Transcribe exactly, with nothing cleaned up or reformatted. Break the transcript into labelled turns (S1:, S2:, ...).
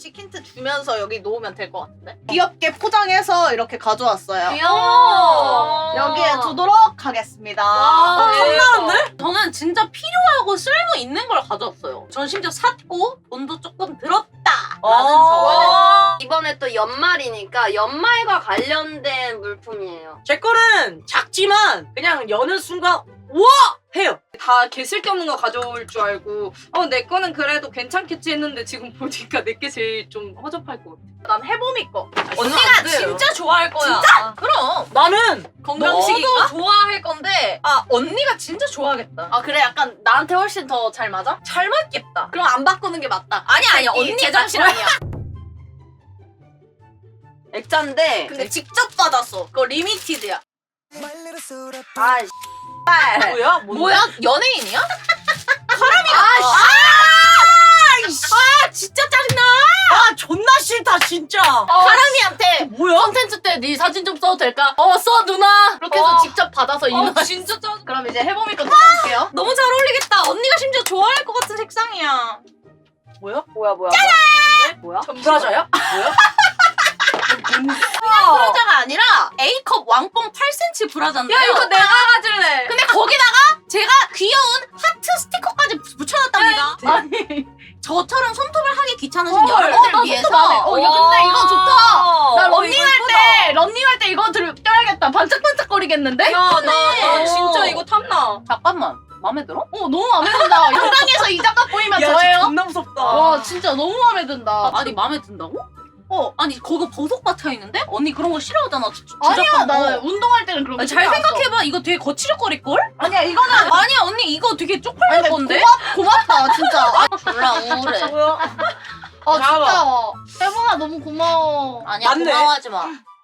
S1: 하나씩 힌트 주면서 여기 놓으면 될 것 같은데? 귀엽게 포장해서 이렇게 가져왔어요.
S2: 귀여워.
S1: 여기에 두도록 하겠습니다.
S2: 와,
S1: 네.
S2: 탐나는데? 저는 진짜 필요하고 쓸모 있는 걸 가져왔어요. 전 심지어 샀고 돈도 조금 들었다. 라는 저.
S3: 이번에 또 연말이니까 연말과 관련된 물품이에요.
S4: 제 거는 작지만 그냥 여는 순간 우와! 해요.
S5: 다 개쓸데없는 거 가져올 줄 알고 어 내 거는 그래도 괜찮겠지 했는데 지금 보니까 내게 제일 좀 허접할 것 같아.
S1: 난 해보미 거.
S2: 언니가 진짜 좋아할 거야. 진짜? 그럼.
S4: 나는
S2: 건강식인가? 너도 좋아할 건데 아 언니가 진짜 좋아하겠다.
S1: 아 그래? 약간 나한테 훨씬 더 잘 맞아?
S2: 잘 맞겠다.
S1: 그럼 안 바꾸는 게 맞다.
S2: 아니 아니
S1: 이
S2: 언니가
S1: 제정신
S2: 나
S1: 아니야.
S3: 액자인데
S1: 근데 직접 받았어. 그거 리미티드야.
S3: 아 씨발.
S4: 뭐야? 뭔데?
S2: 뭐야? 연예인이야?
S1: 아 진짜 짜증나.
S4: 아 존나 싫다 진짜.
S1: 사람이한테
S4: 뭐야?
S1: 컨텐츠 때 네 사진 좀 써도 될까? 어 써 누나. 그렇게 해서
S2: 어.
S1: 직접 받아서 인화.
S2: 어, 진짜 짜.
S1: 그럼 이제 해보미 거 뜯어볼게요.
S2: 너무 잘 어울리겠다. 언니가 심지어 좋아할 것 같은 색상이야.
S4: 뭐야?
S3: 뭐야 뭐야. 뭐야?
S4: 브라자야? 뭐야?
S1: 브라자가 아니라
S2: A컵 왕뽕 팔 센티미터 브라자인데요.
S5: 야 이거 내가 가질래.
S2: 근데 거기다가 제가 귀여운 하트 스티커까지 붙여놨답니다. 아니 저처럼 손톱을 하기 귀찮으신
S1: 헐,
S2: 여러분들을
S1: 어, 나
S2: 위해서.
S1: 손톱 안 해. 어, 야, 근데 이거 좋다. 나
S4: 어,
S1: 런닝할
S4: 이거
S1: 때 런닝할 때 이거 들 껴야겠다. 반짝반짝거리겠는데?
S5: 야나 나 진짜 이거 탐나.
S2: 잠깐만 마음에 들어?
S1: 어 너무 마음에 든다. 영상에서 이 작가 보이면
S4: 야,
S1: 저예요.
S4: 진짜 존나 무섭다.
S1: 와 진짜 너무 마음에 든다.
S2: 아니 마음에 든다고?
S1: 어
S2: 아니 거기 보석 박혀 있는데? 언니 그런 거 싫어하잖아. 주, 주,
S1: 아니야
S2: 주작한 거.
S1: 나 운동할 때는 그런 거
S2: 아니, 잘
S1: 신경 안 써.
S2: 생각해봐. 이거 되게 거칠거릴 걸?
S1: 아니야 이거는
S2: 아니야 언니 이거 되게
S1: 아니,
S2: 쪽팔릴
S1: 근데
S2: 건데?
S1: 고맙, 고맙다 진짜. 아,
S2: 졸라 우울해.
S4: 뭐야?
S1: 아 진짜. 혜봉아 너무 고마워.
S2: 아니야
S4: 맞네.
S2: 고마워하지 마.